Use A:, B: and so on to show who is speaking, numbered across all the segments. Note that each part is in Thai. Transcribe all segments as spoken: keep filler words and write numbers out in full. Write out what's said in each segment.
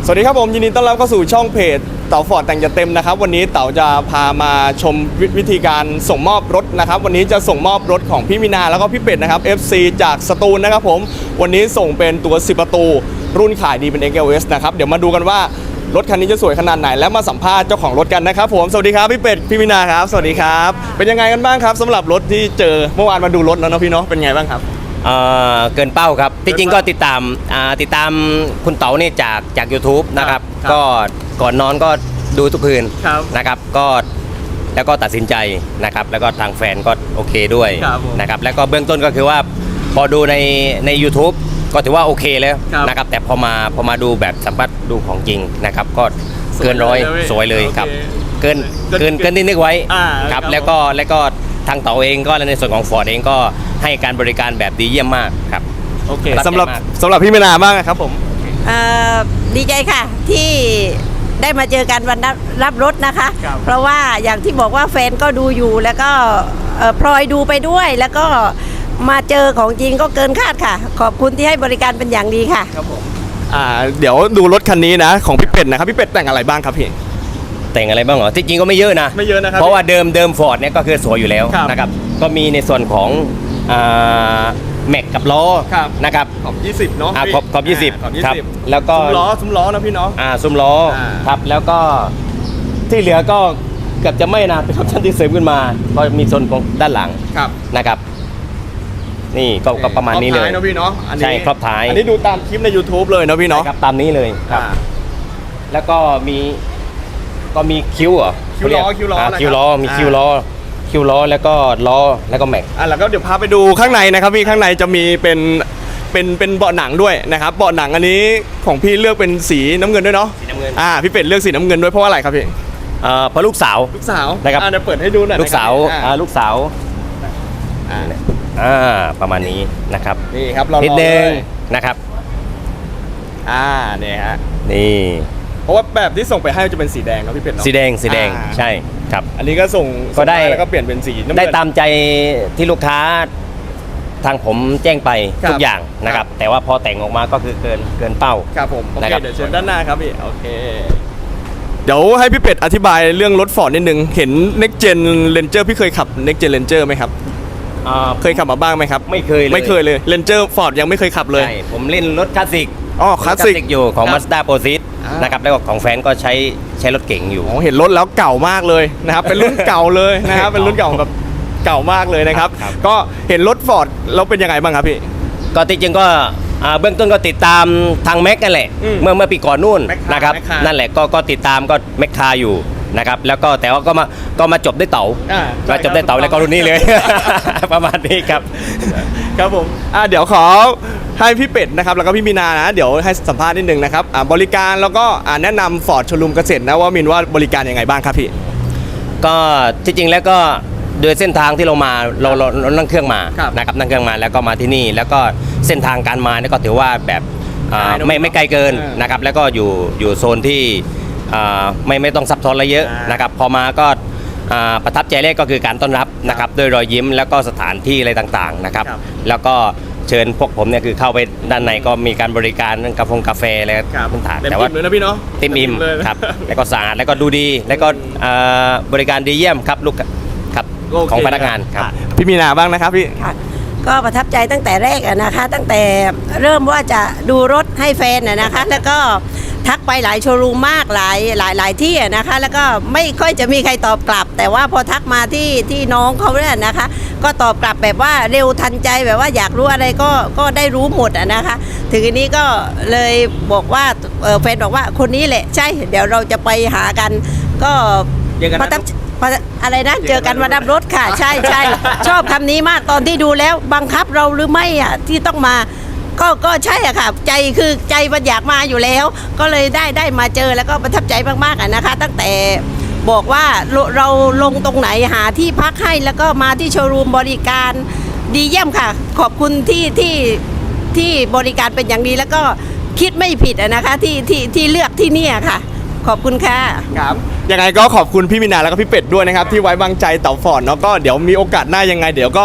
A: สวัสดีครับผมยินดีต้อนรับเข้าสู่ช่องเพจเต๋าฟอร์ดแต่งจะเต็มนะครับวันนี้เต๋าจะพามาชมวิธีการส่งมอบรถนะครับวันนี้จะส่งมอบรถของพี่มินาแล้วก็พี่เป็ดนะครับ เอฟ ซี จากสตูลนะครับผมวันนี้ส่งเป็นตัวสิบประตูรุ่นขายดีเป็น เอ็กซ์ แอล เอส นะครับเดี๋ยวมาดูกันว่ารถคันนี้จะสวยขนาดไหนและมาสัมภาษณ์เจ้าของรถกันนะครับผมสวัสดีครับพี่เป็ดพี่มินาครับสวัสดีครับเป็นยังไงกันบ้างครับสำหรับรถที่เจอเมื่อวานมาดูรถแล้วเนาะพี่เนาะเป็นไงบ้างครับ
B: เอ่อเกินเป้าครับที่จริงก็ติดตามอ่าติดตามคุณเต๋าเนี่ยจากจาก YouTube นะครับก็ก่อนนอนก็ดูทุกคืนนะครับก็แล้วก็ตัดสินใจนะครับแล้วก็ทางแฟนก็โอเคด้วยนะครับแล้วก็เบื้องต้นก็คือว่าพอดูในใน YouTube ก็ถือว่าโอเคแล้วนะครับแต่พอมาพอมาดูแบบสัมผัสดูของจริงนะครับก็เกินร้อยสวยเลยครับเกินเกินเกินที่นึกไว้ครับแล้วก็แล้วก็ทางเต๋าเองก็ในส่วนของ Ford เองก็ให้การบริการแบบดีเยี่ยมมากครับ
A: โอเคสำหรับสำหรับพี่มินาบ้างครับผม
C: ดีใจค่ะที่ได้มาเจอกันวันรับรถนะคะเพราะว่าอย่างที่บอกว่าแฟนก็ดูอยู่แล้วก็พลอยดูไปด้วยแล้วก็มาเจอของจริงก็เกินคาดค่ะขอบคุณที่ให้บริการเป็นอย่างดีค่ะ
A: ครับผมอ่าเดี๋ยวดูรถคันนี้นะของพี่เป็ดนะครับพี่เป็ดแต่งอะไรบ้างครับพี่
B: แต่งอะไรบ้างเหรอที่จริงก็ไม่เยอะนะ
A: ไม่เยอะนะครับ
B: เพราะว่าเดิมเดิม Ford เนี่ยก็คือสวยอยู่แล้วนะครับก็มีในส่วนของแม็กกับล้อนะครับ
A: ขอบยี่สิบเนาะ
B: ขอบขอบยี่สิบครับแล้วก็
A: ซุ้มล้อซุ้มล้อนะพี่เนาะ
B: อ่าซุ้มล้อครับแล้วก็ที่เหลือก็เกือบจะไม่นะเป็นออปชั่นที่เสริมขึ้นมาก็มีส่วนของด้านหลังนะครับนี่ก็ก็ประมาณนี้เลย
A: นะพี่เนาะ
B: ใช่ครอบท้าย
A: อันนี้ดูตามคลิปใน YouTube เลยนะพี่เนาะ
B: ครับตามนี้เลยครับแล้วก็มีก็มีคิ้วเหรอ
A: คิ้วล้อคิ้วล้อ
B: คิ้วล้อมีคิ้วล้อคิ้วล้อแล้วก็ล้อแล้วก็แม็ก
A: อ่ะแล้วก็เดี๋ยวพาไปดูข้างในนะครับพี่ข้างในจะมีเป็นเป็นเป็นเบาะหนังด้วยนะครับเบาะหนังอันนี้ของพี่เลือกเป็นสีน้ำเงินด้วยเนาะ
B: สีน้ำเงิน
A: อ่าพี่เป็ดเลือกสีน้ำเงินด้วยเพราะว่าอะไรครับพี่
B: อ่าเพราะลูกสาว
A: ลูกสาว
B: นะครับ
A: อ่าเดี๋ยวเปิดให้ดูหน่อย
B: ลูกสาวอ่าลูกสาวอ่าอ่าประมาณนี้นะครับ
A: นี่ครับ
B: นิดนึงนะครับ
A: อ่าเนี่ยฮะ
B: นี่
A: เพราะว่าแบบที่ส่งไปให้จะเป็นสีแดงครับพี่เป็ดเนาะ
B: สีแดงสีแดงใช่ครับ
A: อันนี้ก็ส่ง
B: ก็ได้
A: แล้วก็เปลี่ยนเป็นสีน้ำเงิน
B: ได้ตามใจที่ลูกค้าทางผมแจ้งไปทุกอย่างนะครับแต่ว่าพอแต่งออกมาก็คือเกินเกินเป้า
A: ครับผมโอเคเดี๋ยวเชิญด้านหน้าครับพี่โอเคเดี๋ยวให้พี่เป็ดอธิบายเรื่องรถฟอร์ดนิดนึงเห็น Next Gen Ranger พี่เคยขับ Next Gen Ranger ไหมครับเคยขับมาบ้างไหมครับ
B: ไม่เคยเลย
A: ไม่เคยเลย Ranger Ford ยังไม่เคยขับเลย
B: ใช่ผมเล่นรถคลาสสิก
A: อ๋อคลาสสิก
B: อยู่ของ Mazda Proceed นะครับแล้วก็ของแฟนก็ใช้ใช้รถเก๋งอยู่
A: อ๋อเห็นรถแล้วเก่ามากเลยนะครับเป็นรุ่นเก่าเลยนะครับเป็นรุ่นเก่าแบบเก่ามากเลยนะครับก็เห็นรถ Ford แล้วเป็นยังไงบ้างครับพี่
B: ก็จริงๆก็เบื้องต้นก็ติดตามทางแม็กนั่นแหละเมื่อเมื่อปีก่อนนู่นนะครับนั่นแหละก็ก็ติดตามก็แม็กคาอยู่นะครับแล้วก็แต่ว่าก็มาก็มาจบได้เต๋ามาจบได้เต๋าแล้วก็รุ่นนี้เลยประมาณนี้ครับ
A: ครับผมอ่าเดี๋ยวขอให้พี่เป็ดนะครับแล้วก็พี่มีนานะเดี๋ยวให้สัมภาษณ์นิดนึงนะครับอ่าบริการแล้วก็อ่าแนะนำฟอร์ดโชว์รูมเกษตรนะว่ามินว่าบริการยังไงบ้างครับพี่
B: ก็ที่จริงแล้วก็โดยเส้นทางที่เรามาเราเรานั่งเครื่องมานะครับนั่งเครื่องมาแล้วก็มาที่นี่แล้วก็เส้นทางการมาเนี่ยก็ถือว่าแบบไม่ไม่ไกลเกินนะครับแล้วก็อยู่อยู่โซนที่ไม่ไม่ต้องซับซ้อนอะไรเยอะนะครับพอมาก็ประทับใจแรกก็คือการต้อนรับนะครับด้วยรอยยิ้มแล้วก็สถานที่อะไรต่างๆนะครับแล้วก็เชิญพวกผมเนี่ยคือเข้าไปด้านในก็มีการบริการกาแฟกาแฟอะไรพื้นฐาน
A: แต่ว่าเลยนะพี่เนาะ
B: เต็มอิ่มครับแล้วก็สะอาดแล้วก็ดูดีแล้วก็บริการดีเยี่ยมครับลูกครับของพนักงานครับ
A: พี่มีนาบ้างนะครับพี่
C: ก็ประทับใจตั้งแต่แรกนะคะตั้งแต่เริ่มว่าจะดูรถให้แฟนนะคะแล้วก็ทักไปหลายโชว์รูมมากหลายหลายหลายที่นะคะแล้วก็ไม่ค่อยจะมีใครตอบกลับแต่ว่าพอทักมาที่ที่น้องเขาเนี่ยนะคะก็ตอบกลับแบบว่าเร็วทันใจแบบว่าอยากรู้อะไรก็ก็ได้รู้หมดนะคะถึงอันนี้ก็เลยบอกว่าแฟนบอกว่าคนนี้แหละใช่เดี๋ยวเราจะไปหากันก็ประทับอะไรนะเจอกันวันรับรถค่ะใช่ใช่ชอบคำนี้มากตอนที่ดูแล้วบังคับเราหรือไม่อ่ะที่ต้องมาก็ก็ใช่อะค่ะใจคือใจมันอยากมาอยู่แล้วก็เลยได้ได้มาเจอแล้วก็ประทับใจมากๆอะนะคะตั้งแต่บอกว่าเราลงตรงไหนหาที่พักให้แล้วก็มาที่โชว์รูมบริการดีเยี่ยมค่ะขอบคุณที่ที่ที่บริการเป็นอย่างดีแล้วก็คิดไม่ผิดอะนะคะที่ที่ที่เลือกที่นี่ค่ะขอบคุณค่ะ
A: ครับยังไงก็ขอบคุณพี่มินาแล้วก็พี่เป็ดด้วยนะครับที่ไว้วางใจเต๋าฟอร์ดเนาะก็เดี๋ยวมีโอกาสหน้ายังไงเดี๋ยวก็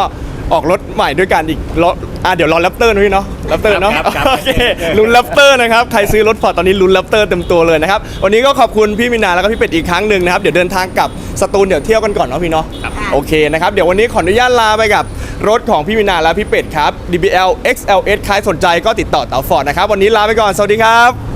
A: ออกรถใหม่ด้วยกันอีกรถอ่ะเดี๋ยวรอแรปเตอร์นะพี่เนาะแรปเตอร์เนาะ
B: ครับครับ
A: โอเคลุ้นแรปเตอร์นะครับใครซื้อรถฟอร์ดตอนนี้ลุ้นแรปเตอร์เต็มตัวเลยนะครับวันนี้ก็ขอบคุณพี่มินาแล้วก็พี่เป็ดอีกครั้งหนึ่งนะครับเดี๋ยวเดินทางกลับสตูลเดี๋ยวเที่ยวกันก่อนเนาะพี่เนาะโอเคนะครับเดี๋ยววันนี้ขออนุญาตลาไปกับรถของพี่มินาและพี่เป็ดครับ ดี บี แอล เอ็กซ์ แอล เอส ใครสนใจก็ติดต่อเต๋าฟอร์ดนะครับวันนี้ลาไปก่อนสวัสดีครับ